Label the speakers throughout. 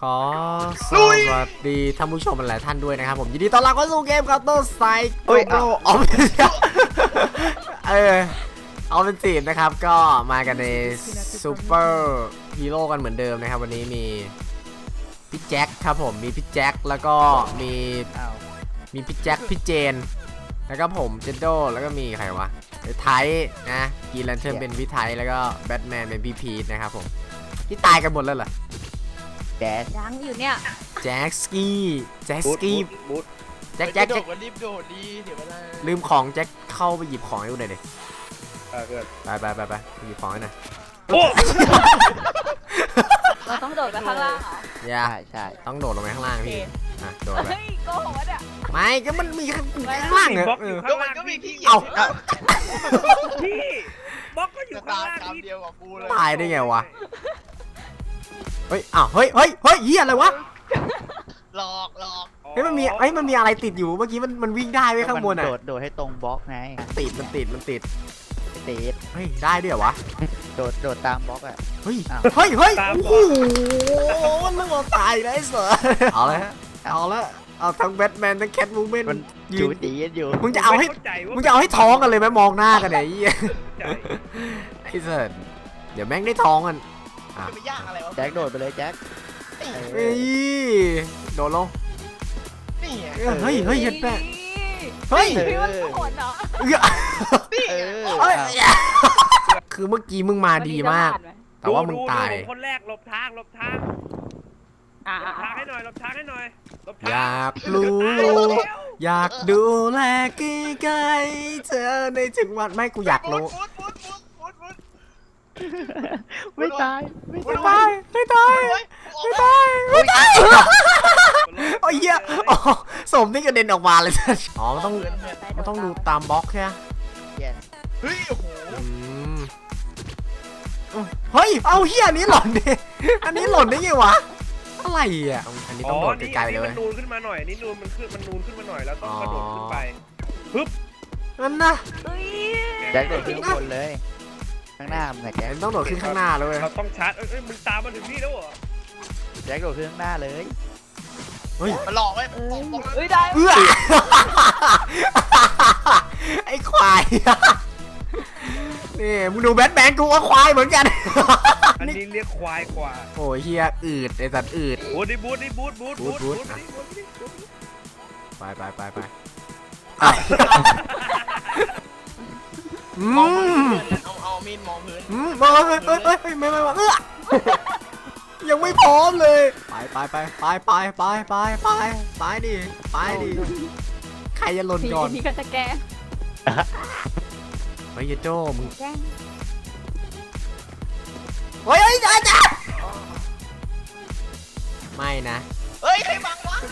Speaker 1: อสวัสดีท่านผู้ชมหลายท่านด้วยนะครับผมยินดีต้อนรับเข้าสู่เกม Counter Strike
Speaker 2: เฮ้ย
Speaker 1: Global ออฟเป็นทีมนะครับก็มากันในซูเปอร์ฮีโร่กันเหมือนเดิมนะครับวันนี้มีพี่แจ็คครับผมมีพี่แจ็คแล้วก็มีพี่แจ็คพี่เจนแล้วก็ผมเจนโดแล้วก็มีใครวะไทยนะกีแลนเทิร์นเป็นพี่ไทยแล้วก็แบทแมนเป็นพี่พีทนะครับผมที่ตายกันหมดแล้วเหรอ
Speaker 2: แจ๊ส
Speaker 3: ยังอยู่เนี่ย
Speaker 1: แจ็คสกี้แจ็คสกี้
Speaker 2: บูท
Speaker 1: แจ็ค
Speaker 4: โดดมันรีบโดดดีเดี๋ยวเวลา
Speaker 1: ลืมของแจ็คเข้าไปหยิบของให้ดูหน่อยดิ
Speaker 2: เกิด
Speaker 1: ไปหยิบของให้หน่อย
Speaker 2: โอ้
Speaker 3: เราต้องโดดไปข้างล่างเหรอ
Speaker 1: อย่า
Speaker 2: ใช่
Speaker 1: ต้องโดดลงไปข้างล่างพี่อ่ะโดดไป
Speaker 3: เฮ้ยโกหกวะเนี่ย
Speaker 1: ไม่ก็มันมีข้างล่างเหรอ
Speaker 4: ก็มันก็มีที่เหยีย
Speaker 1: เอ้า
Speaker 4: บ
Speaker 2: พี่บล็อกก็อยู่
Speaker 4: จะ
Speaker 2: ข้าง
Speaker 4: ตาม
Speaker 2: ล่าง
Speaker 4: ตาม
Speaker 2: พี่
Speaker 4: เดียวกับกูเลย
Speaker 1: ตายได้ไงวะเฮ้ยอ้าวเฮ้ยเหี้ยอะไรวะ
Speaker 4: หลอก
Speaker 1: เฮ้ยมันมีอะไรติดอยู่เมื่อกี้มันวิ่งได้ไว้ข้างบนอ่ะ
Speaker 2: โดดให้ตรงบล็อกไง
Speaker 1: ติด
Speaker 2: ติด
Speaker 1: เฮ้ยได้ด้วยเหรอวะ
Speaker 2: โดดตามบล็อกอ่ะ
Speaker 1: เฮ้ย
Speaker 2: อ้าว
Speaker 1: เฮ้ยโอ้โหนึกว่าตายเลยไอ้เสือเอาเลยฮะเอาทั้งแบทแมนทั้งแคทวูแมน
Speaker 2: มัน
Speaker 1: ยื
Speaker 2: จู
Speaker 1: น
Speaker 2: ตีกันอยู่
Speaker 1: มึงจะเอาให้ท้องกันเลยไหมมองหน้ากันเนี่ยไอ้เสือเดี๋ยวแม่งได้ท้องกัน
Speaker 4: จะไปย่างอะไรวะ
Speaker 2: แจ็คโดดไปเลยแจ็ค
Speaker 1: เฮ้ยโดดลง
Speaker 4: นี่ไง
Speaker 1: เฮ้ยเห็นแปะเฮ้ย
Speaker 3: พี่ว่าโหดเหรอ
Speaker 1: เอ้ยคือเมื่อกี้มึงมาดีมาก แต่ว่ามึงตาย
Speaker 5: คนแรกหลบทาง
Speaker 3: อ่า
Speaker 5: หลบทางให้หน่อยหลบทางให้หน่อยหลบทาง
Speaker 1: อยากรู้อยากดูแลใกล้ๆเธอในถึงวันไม่กูอยากรู้
Speaker 4: ฟุด
Speaker 2: ไม่ตาย
Speaker 1: ไม่ตายโอ้ยเหี้ยสมนี่กระเด็นออกมาเลยอ๋อมันต้องดูตามบล็อกใช่ไหม
Speaker 4: เฮ้ยโอ้โห
Speaker 1: เฮ้ยเอาเหี้ยอันนี้หล่นดิอันนี้หล่นได้ไงวะอะไรอ่ะอันนี้ต้องโดดไกลๆเลย
Speaker 5: มันนูนขึ้นมาหน่อยนี่นูนมันนูนขึ้นมาหน่อยแล้วต้องกระโดดขึ้นไป
Speaker 1: นั่นนะ
Speaker 3: เฮ้ย
Speaker 2: แจ็คโดดขึ้นข้างบนเลย ข้างหน้ามึงไงแจ็ค
Speaker 1: ต้องโดดขึ้นข้างหน้าเลย
Speaker 5: เราต้องชาร์จเอ้ยมึงตามมาถึงนี่แล้วเหรอ
Speaker 2: แจ็คโดดขึ้นข้างหน้าเลย
Speaker 1: เฮ้ย
Speaker 4: มันหลอกไว้บอก
Speaker 3: เฮ้ยได้
Speaker 1: เอื้อไอ้ควายนี่มึงดูแบทแมนกูก็ควายเหมือนกัน
Speaker 5: อันนี้เรียกควายกว่า
Speaker 1: โอ้ยเฮียอืดไอ้สัตว์อืด
Speaker 5: โอ้ดิบูท
Speaker 1: ไป
Speaker 4: มองพื้นเอามีดมองพื้น
Speaker 1: มาเฮ้ยไม่ยังไม่พร้อมเลยไปดิใครจะหล่นก่อน
Speaker 3: พี่ก็จะแกล้ง
Speaker 1: เฮ้ยโจ้มึง
Speaker 3: แกล้ง
Speaker 1: เฮ้ยจ้าไม่นะ
Speaker 4: เฮ้ยใครบังวะ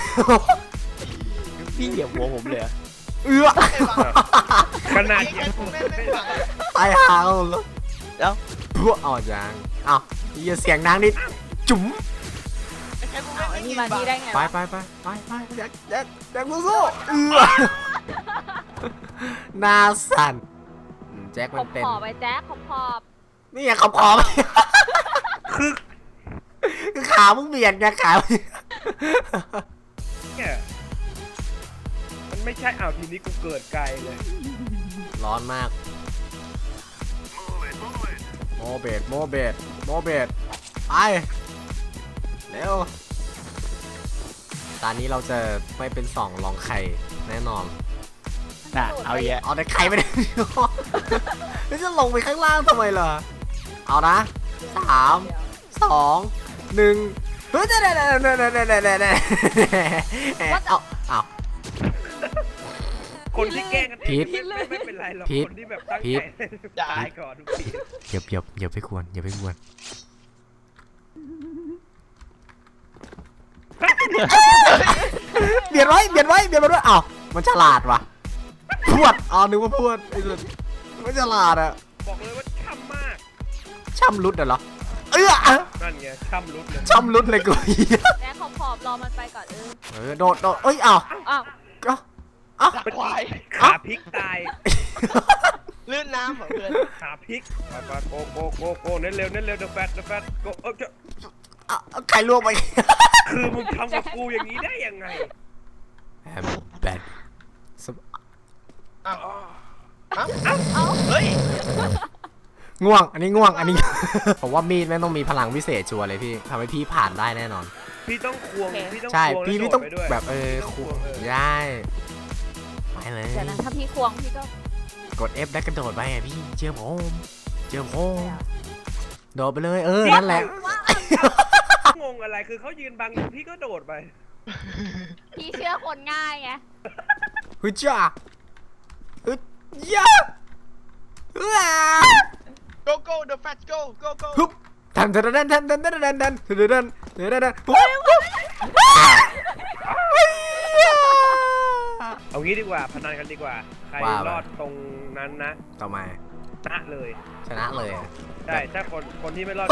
Speaker 2: พี่เหยียบหัวผมเลย
Speaker 1: เอื้อ
Speaker 4: ใครบัง
Speaker 5: ขนาด
Speaker 4: ไอ้
Speaker 5: เนี้ย
Speaker 4: แค่กูแม่งไม่บัง
Speaker 1: ตายหาแล้วพวกเอาจางเอาเฮียเสียงดังนิดจุ๋ม
Speaker 4: ไอ้แค่กูแม่งไม่
Speaker 3: นี่
Speaker 4: ยิง
Speaker 3: มา
Speaker 4: บัง
Speaker 3: นี่ได้ไง
Speaker 1: ไปแจ็คสู้เอื้อหน้าสั่นแจ็ค
Speaker 3: ข
Speaker 1: มั
Speaker 3: อน บ
Speaker 1: เป็น
Speaker 3: ขอบไปแจ๊คขอบ
Speaker 1: นี่ไงขอบคือขามึงเบียดไงขา
Speaker 5: เนี่ยมันไม่ใช่อ้าวทีนี้กูเกิดไกลเลย
Speaker 1: ร้อนมากโมเบดไปเร็วตอนนี้เราจะไม่เป็นสองรองไข่แน่นอน
Speaker 2: น่ะเอาแยะ
Speaker 1: เอาแต่ไข่ไปเลยแล้วจะลงไปข้างล่างทำไมล่ะเอานะ3 2 1เฮ้ยเอา
Speaker 5: คนที่แกล้งกันเอ
Speaker 1: ผิ
Speaker 5: ง
Speaker 1: ด
Speaker 5: ไม่เป็นไรหรอก
Speaker 1: ผิด
Speaker 5: คนที่แบบตั้ง
Speaker 1: ผิ
Speaker 5: ใจ
Speaker 1: ด
Speaker 5: ตายก่อนทุกที
Speaker 1: อย่าไปควรเบียดไว้อ้าวมันฉลาดว่ะพวดนึกว่าพวดไอ้สัสมันฉลาดอะ
Speaker 5: บอกเลยว่าช่ำมาก
Speaker 1: ช่ำรุดเหรอ
Speaker 5: นั่นไงช่ำรุดเลย
Speaker 1: ช่ำรุดเลยกู
Speaker 3: แจ๊คขอบรอมันไปก่อน
Speaker 1: โดดเอ้ยอ้าว
Speaker 3: อ้าว
Speaker 4: ดักควาย
Speaker 5: ขาพลิกตาย
Speaker 4: ลื่นน้ำเหมือนเพื่อน
Speaker 5: ขาพลิกไปโกเน้นเร็วเดอะแฟตโก
Speaker 1: เอาใครล่วงไป
Speaker 5: คือมึงทำกับกูอย่างนี้ได้ยังไง
Speaker 1: แอมแบด
Speaker 4: อ้าวเฮ้ย
Speaker 1: ง่วงอันนี้ง่วงอันนี้ ผมว่ามีดแม่งต้องมีพลังพิเศษชัวร์เลยพี่ทำให้พี่ผ่านได้แน่นอน
Speaker 5: พี่ต้องควงพี่ต้อง
Speaker 1: ใช่
Speaker 5: ควง
Speaker 1: พี่
Speaker 5: แล้ว
Speaker 1: ต้อง
Speaker 5: โดดไปด้วย
Speaker 1: แบบ
Speaker 5: ต้อง
Speaker 1: คว
Speaker 5: ง
Speaker 1: งได้ไปเลย
Speaker 3: เดี๋ยวนะถ้าพี่ควงพี่ก็
Speaker 1: กด F แล้วกระโดดไปอ่ะพี่เชื่อผมโดดไปเลยนั่นแหละ
Speaker 5: งงอะไรคือเขายืนบังพี่ก็โดดไป
Speaker 3: พี่เชื่อคนง่ายไง
Speaker 1: ฮึจ้าฮึย่าว้า
Speaker 4: go go the fat go go go
Speaker 1: ฮึบทัน
Speaker 5: เอางี้ดีกว่าพนันกันดีกว่าใครรอดตรงนั้นนะ
Speaker 1: ต่อมา
Speaker 5: ชนะเลย
Speaker 1: ชนะเลย
Speaker 5: ใช่ถ้าคนที่ไม่รอด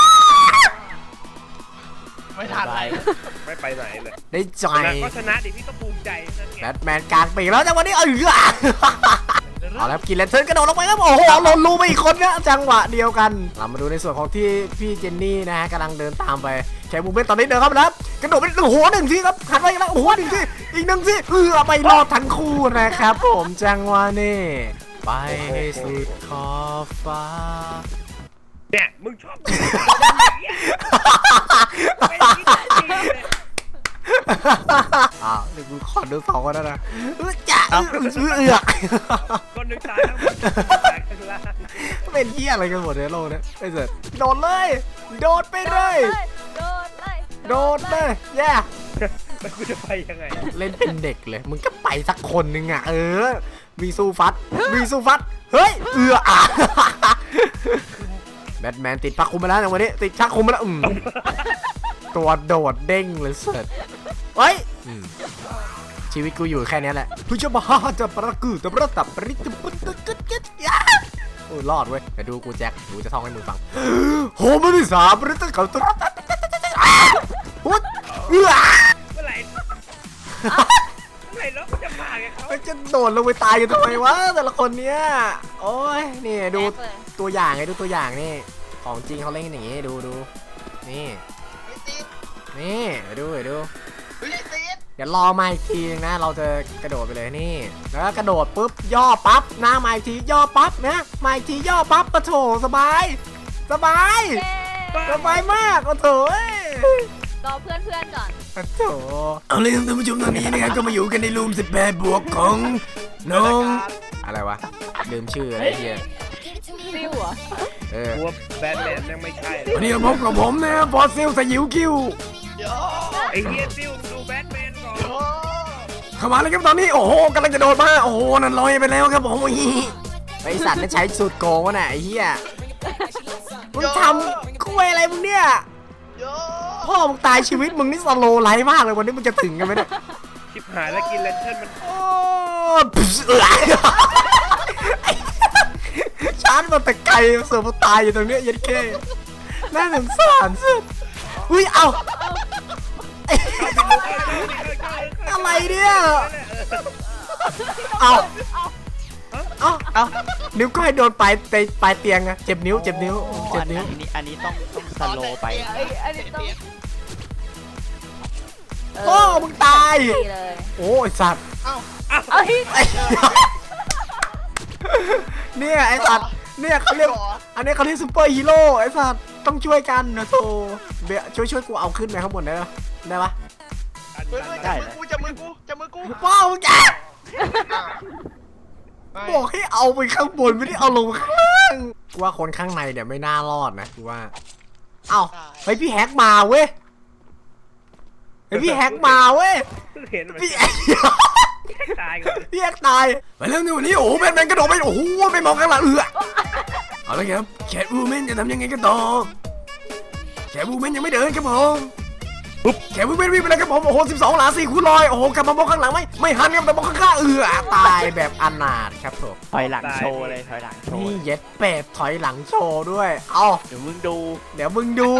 Speaker 4: ไม่ทันไร
Speaker 5: ไม่ไปไหนเลย
Speaker 1: ได้ใจ
Speaker 5: ชนะก็ชนะดิพี่ก็ภูมิใจนั่นไง
Speaker 1: แบทแมนกลางปีกแล้วจังหวะนี้เอาแล้วกินแลนเทิร์นกระโดดลงไปครับโอ้โหหล่นรูไปอีกคนนะจังหวะเดียวกันเรามาดูในส่วนของที่พี่เจนนี่นะฮะกำลังเดินตามไปแคมูเมนตอนนี้เดินเข้าไปแล้วกระโดดไปโอ้โหหนึ่งทีครับหันไปแล้วโอ้โหหนึ่งทีอีกหนึ่งทีไม่รอดทั้งคู่นะครับผมจังหวะนี้ไปให้สุดขอบฟ้า
Speaker 5: เนี่ยมึงชอบอย่างเงี้ยไม่คิดจริงเลย
Speaker 1: เดี๋ยวกูขอดูสองคนนะจ้า
Speaker 5: คนหนึ่งตายทั้งหมดตายข้างล่าง
Speaker 1: เป็นเหี้ยอะไรกันหมดในโลกเนี่ยไอ้เสร็จโดดเลยโดดไปเลย โดดเลยแย่
Speaker 5: แล้วกูจะไปยังไง
Speaker 1: เล่นเป็นเด็กเลยมึงก็ไปสักคนนึงอ่ะวีซูฟัดเฮ้ยแบทแมนติดพักคุมไปแล้วในวันนี้ติดชักคุมไปแล้วตัวโดดเด้งเลยเสร็จเฮ้ยชีวิตกูอยู่แค่นี้แหละผู้ชมจะประกูจะประตับปริตปุตตะกึดกึดโอ้รอดเว้ยแต่ดูกูแจ็คกูจะท่องให้มึงฟังโหมันที่สามปริตตะเขาตุ๊ดปุ๊ด
Speaker 5: เมื่อไหร่แล้วกูจะมาไงเขา
Speaker 1: มันจะโดดลงไปตายกันทำไมวะแต่ละคนเนี้ยโอ้ยนี่ดูตัวอย่างไงดูตัวอย่างนี่ของจริงเขาเล่นกันอย่างงี้ดูนี่
Speaker 4: ไม่ติด
Speaker 1: นี่ดู
Speaker 4: ไม่ติด
Speaker 1: เดี๋ยวรอมาอีกทีนึงนะเราจะกระโดดไปเลยนี่แล้วก็กระโดดปุ๊บย่อปั๊บหน้ามาอีกทีย่อปั๊บนะมาอีกทีย่อปั๊บปะโถสบายมากโอ้โถ
Speaker 3: รอเพื่อนก่อน
Speaker 1: ปะโถเอาเลยท่านผู้ชมตอนนี้นะครับก็มาอยู่กันในรูม18บวกของน้องอะไรวะลืมชื่ออะไรเฮีย
Speaker 3: ซิวเหรอ
Speaker 5: กลัวแบทแมนยังไม่ใช่
Speaker 1: วันนี้พบกับผมนะฟอสซิลสยิวคิว
Speaker 4: เดี๋ยว
Speaker 5: ไอ้เฮียซิลดูแบทแมนก่อน
Speaker 4: โอ้
Speaker 1: เข้ามาเลยครับตอนนี้โอ้โหกำลังจะโดดมาโอ้โหนั่นลอยไปแล้วครับผมไอสัตว์นั่นใช้สูตรโกงวะน่ะไอ้เหี้ยมึงทำคุยอะไรมึงเนี่ย
Speaker 4: โย
Speaker 1: พ่อมึงตายชีวิตมึงนี่สโลไลฟ์มากเลยวันนี้มึงจะถึงกันไหมเนี่ย
Speaker 5: ชิบหายแล้วกินแลนเทิร์นมัน
Speaker 1: โอ้ชาร์จมาแต่ไกลเสือมาตายอยู่ตรงเนี้ยยันแค่น่าสงสารสุดอุ้ยเอาอะไรเนี่ยเอานิ้วก้อยโดนปลายเตียงอะเจ็บนิ้ว
Speaker 2: อันนี้ต้องสโลว์ไป
Speaker 3: อันนี้ต้อง
Speaker 1: โอ้มึงตาย
Speaker 3: ดีเลย
Speaker 1: โอ้ไอสัตว์
Speaker 3: เอ้ย
Speaker 1: เนี่ยไอสัตว์เนี่ยเขาเรียกอันนี้เขาเรียกซูเปอร์ฮีโร่ไอสัตว์ต้องช่วยกันนะโธ่เบียช่วยกูเอาขึ้นไปข้างบนได้ปะได้ปะ
Speaker 4: จับมือกู
Speaker 1: ว้าวมึงแกบอกให้เอาไปข้างบนไม่ได้เอาลงข้างล่างกูว่าคนข้างในเนี่ยไม่น่ารอดนะกูว่าเอ้าเฮ้ยพี่แฮกมาเว้ยเฮ้ยพี่แฮกมาเว้ย
Speaker 5: เห็นมัน
Speaker 1: พี่
Speaker 5: ตายก่อน
Speaker 1: พี่แฮกตายไปแล้วนี่วันนี้โอ้โหแมนกระโดดไปโอ้โหไม่มองข้างหลังเอาละครับแคทวูแมนจะทำยังไงกันต่อแคทวูแมนยังไม่เดินครับผมแคทวูแมนวิ่งไปแล้วครับผมโอ้โห12 หลา 4 คูณร้อยโอ้โหกลับมามองข้างหลังไม่หันครับแต่มองข้างตายแบบอนาถครับผม
Speaker 2: ถอยหลังโชว์เลยถอยหลังโชว์
Speaker 1: นี่เย็ดเป็ดถอยหลังโชว์ด้วยเอา
Speaker 2: เดี๋ยวมึงดู
Speaker 1: เดี๋ยวมึงดู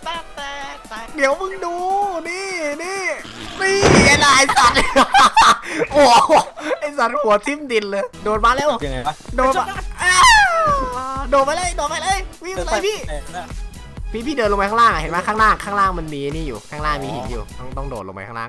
Speaker 1: นี่ไอ้นายสัตว์โอ้ไอ้สัตว์หัวทิ่มดินเลยโดดมาแล้ว
Speaker 2: ยังไงวะ
Speaker 1: โดดมาเลยวิ่งไปเลยพี่พี่เดินลงไปข้างล่างอะเห็นไหมข้างล่างมันมีนี่อยู่ข้างล่างมีหินอยู่ต้องโดดลงไปข้างล่าง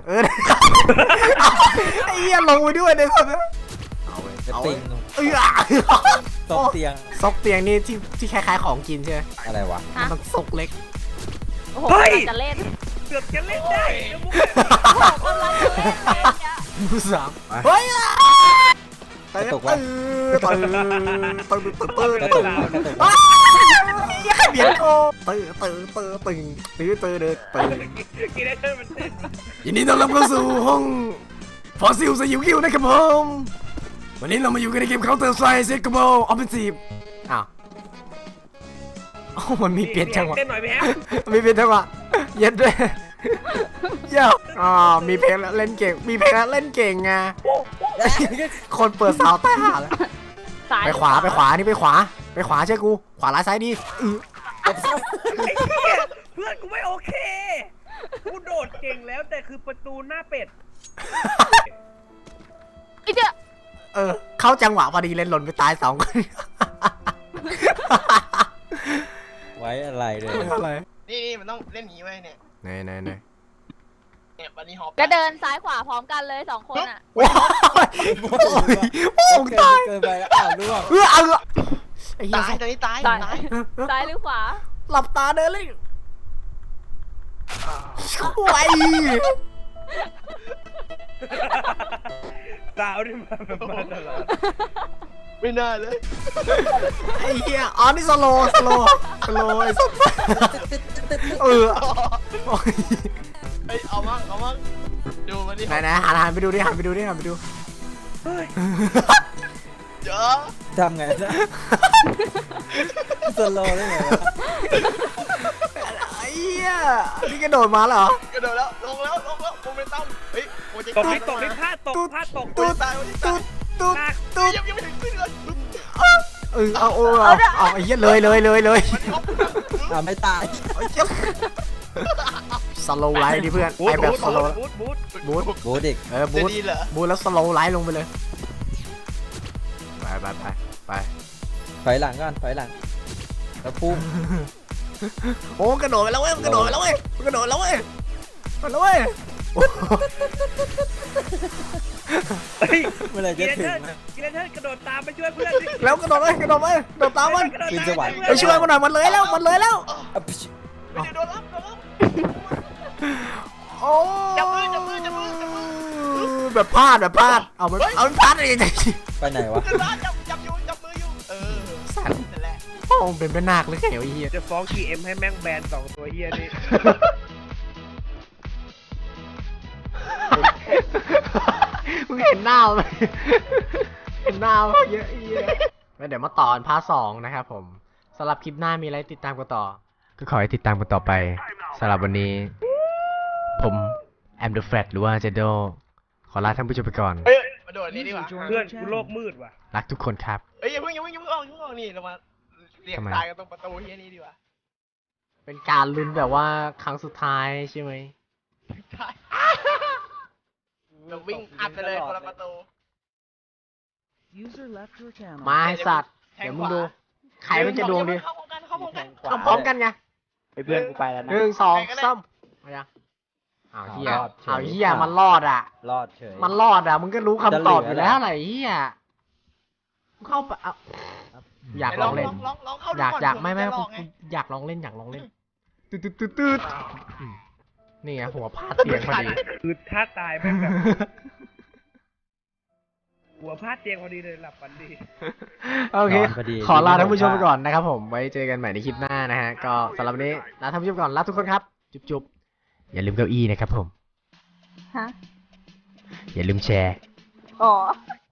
Speaker 1: ไอ้เหี้ยลงไปด้วยเนี่ยเอาเว้ย
Speaker 6: จะ
Speaker 1: เอา
Speaker 6: ปิ
Speaker 1: เว้ย
Speaker 6: ง
Speaker 1: เอ้ย
Speaker 6: ตกเตียง
Speaker 1: ซกเตียงนี่ที่คล้ายๆของกินใช่ไหม
Speaker 6: อะไรวะ
Speaker 1: มันต้องซกเล็ก
Speaker 3: โอ้โห
Speaker 5: เฮ้ย
Speaker 3: กำลังจะเล่น
Speaker 5: เกือบจะเล่นได้แล้วมุก
Speaker 3: โอ้โหกำลังจะเล่นเลยเนี่ย
Speaker 1: มือสามเฮ้ย
Speaker 6: กระตุกวะ
Speaker 1: ตื่น
Speaker 6: กระตุกกระตุก
Speaker 1: ยังเบียดโกตื่น
Speaker 5: กินได้เท่ามันเต้น
Speaker 1: ยินดีต้อนรับเข้าสู่ห้องฟอสซิลสยิวคิวนะครับผมวันนี้เรามาอยู่กันในเกม Counter Strike Secable Offensive อ้าวมันมีเปลี่ยนจังหวะ
Speaker 5: เต้นหน่อยไหมฮะ
Speaker 1: มีเปลี่ยนจังหวะเย็ดด้วยเย้มีเพลงแล้วเล่นเก่งมีเพลงแล้วเล่นเก่งไงคนเปิดสาวใต้หาแล้ว
Speaker 3: ซ้าย
Speaker 1: ไปขวานี่ไปขวาใช่กูขวาร้ายซ้ายดี
Speaker 5: ไอ้เหี้ยเพื่อนกูไม่โอเคกูโดดเก่งแล้วแต่คือประตูหน้าเป็ด
Speaker 3: อีเจ้า
Speaker 1: เข้าจังหวะพอดีเล่นหล่นไปตาย2 คน
Speaker 6: ไว้อะไรเลย
Speaker 1: อะไร
Speaker 4: นี่มันต้องเล่นอย่างนี้ไว้เนี่ย
Speaker 1: ไหน
Speaker 4: เนี่ยบันนี่ฮอป
Speaker 3: ก็เดินซ้ายขวาพร้อมกันเลย2 คนอ่ะ
Speaker 1: โอ้ยโอ้ยตาย
Speaker 6: เกินไปแล้วอ้าวล่วง
Speaker 1: ไอ้เหี้ย
Speaker 4: ตายตอนนี้ตาย
Speaker 3: ซ้าย
Speaker 4: ตาย
Speaker 3: ซ้ายหรือขวา
Speaker 1: หลับตาเดินเลยช่วย
Speaker 5: สาวนี่มาแบบมาตลอด
Speaker 4: ไม่น่าเลย
Speaker 1: ไอ้เหี้ยอ๋อนี่สโลไอ้สัสโอ้ย
Speaker 4: เฮ้ยเอามั่งดูมันดิ
Speaker 1: ไหนหันไปดูดิหันไปดู
Speaker 5: เฮ้ย
Speaker 4: เยอะ
Speaker 6: ทำไงนะสโลว์ได้ไงวะ
Speaker 1: ไอ้เหี้ยนี่กระโดดมาเหรอก
Speaker 4: ระโดดแล้วลงแล้วโมเมนตัมเฮ้ยโมเจ
Speaker 5: ตกนี่พลาดตก
Speaker 1: ตุ๊ด
Speaker 4: ตายวันนี้ตาย
Speaker 1: ตุ๊ด
Speaker 4: ยังไม่ถึงขึ้นเลย
Speaker 1: เอาไอ้เหี้ยเลย
Speaker 4: มันฮอป
Speaker 6: ไม่ตาย
Speaker 1: สโลว์ไลท์ดิเพื่อนไอแบบสโลว์
Speaker 5: บูท
Speaker 1: บูท
Speaker 6: บูดิก
Speaker 1: บู
Speaker 4: จะ
Speaker 1: ท
Speaker 4: ดีเหรอ
Speaker 1: บูทแล้วสโลว์ไลท์ลงไปเลยไป
Speaker 6: ถอยหลังก่อนถอยหลังแล้วพุ่ง
Speaker 1: โอ้กระโดดไปแล้วเว้ยกระโดดแล้วเว้ย
Speaker 5: เฮ้ย
Speaker 6: เมื่อไหร
Speaker 5: กิ
Speaker 6: จะ
Speaker 5: เลน
Speaker 6: ถึ
Speaker 5: เทิ
Speaker 6: ง
Speaker 5: ร์กระโดดตามไปช่วยเพื่อนดิ
Speaker 1: แล้วกระโดดไปโดดตามมัน
Speaker 6: ขึ้นสวรรค์
Speaker 1: ไปช่วยมันหน่อยมันเลยแล้ว
Speaker 6: อ่ะพิช
Speaker 4: ไม่ได้โดนรับ
Speaker 1: โอ้
Speaker 4: จับมือ
Speaker 1: แบบพลาดเอามันพลาดอะไรกัน
Speaker 6: ไปไหนวะ
Speaker 4: ขึ้นร้านจับมืออยู่
Speaker 1: สัตว์
Speaker 4: นั่นแหละ
Speaker 1: โอ้เป็นแม่นาคหรือไงวะเฮีย
Speaker 5: จะฟ้อง GM ให้แม่งแบน2 ตัวเฮียนี่
Speaker 1: มึงเห็นหน้าไหมเห็นหน้าเยอะแล้วเดี๋ยวมาต่อพาร์ท 2นะครับผมสำหรับคลิปหน้ามีอะไรติดตามกันต่อก็ขอให้ติดตามกันต่อไปสำหรับวันนี้ผมแอมเดอะแฟลตหรือว่าเจโดขอลาท่านผู้ชมไปก่อน
Speaker 4: เฮ้ยมาโดดนี่ดีกว่า
Speaker 5: เพื่อนกูโลกมืดว่ะ
Speaker 1: รักทุกคนครับ
Speaker 4: เฮ้ยอย่าเพิ่งออกนี่เรามาเรียกตายกันตรงประตูเฮียนี่ดีกว่า
Speaker 1: เป็นการลุ้นแบบว่าครั้งสุดท้ายใช่ไหม
Speaker 4: ใช่เราวิ่งอัดไปเลยคนละประตู
Speaker 1: มาให้สัตว์เดี๋ยวมึงดูใครมันจะดวงดี
Speaker 4: เข้าพร้อมกัน
Speaker 1: เอาพร้อมกันไง
Speaker 2: ไอ้เพื่อนกูไปแล้วนะ
Speaker 1: 1 2 3มายังอ้าวเฮียมันรอดอ่ะ
Speaker 6: รอดเฉย
Speaker 1: มันรอดอ่ะมึงก็รู้คำตอบอยู่แล้วอะไรเฮียมึงเข้าไปเอาอยากลองเล่น
Speaker 4: ลองเข้าดู
Speaker 1: อยาก
Speaker 4: ก่อน
Speaker 1: อยากไม่
Speaker 4: เผื่อนจะหลอกไง
Speaker 1: อยากลองเล่นตืดนี่ไงหัวพาดเตียงพอดี
Speaker 5: คือถ้าตายแม่งแบบหัวพลาดเตียงพอดีเลยหลับฝันดี
Speaker 1: โอเค
Speaker 6: นนพดี
Speaker 1: ขอลาท่านผู้ชมไปก่อนนะครับผมไว้เจอกันใหม่ในคลิปหน้านะฮะก็สำหรับวันนี้ลาท่านผู้ชมก่อนลาทุกคนครับจุ๊บอย่าลืมเก้าอี้นะครับผม
Speaker 3: ฮะ
Speaker 1: อย่าลืมแชร์
Speaker 3: อ๋อ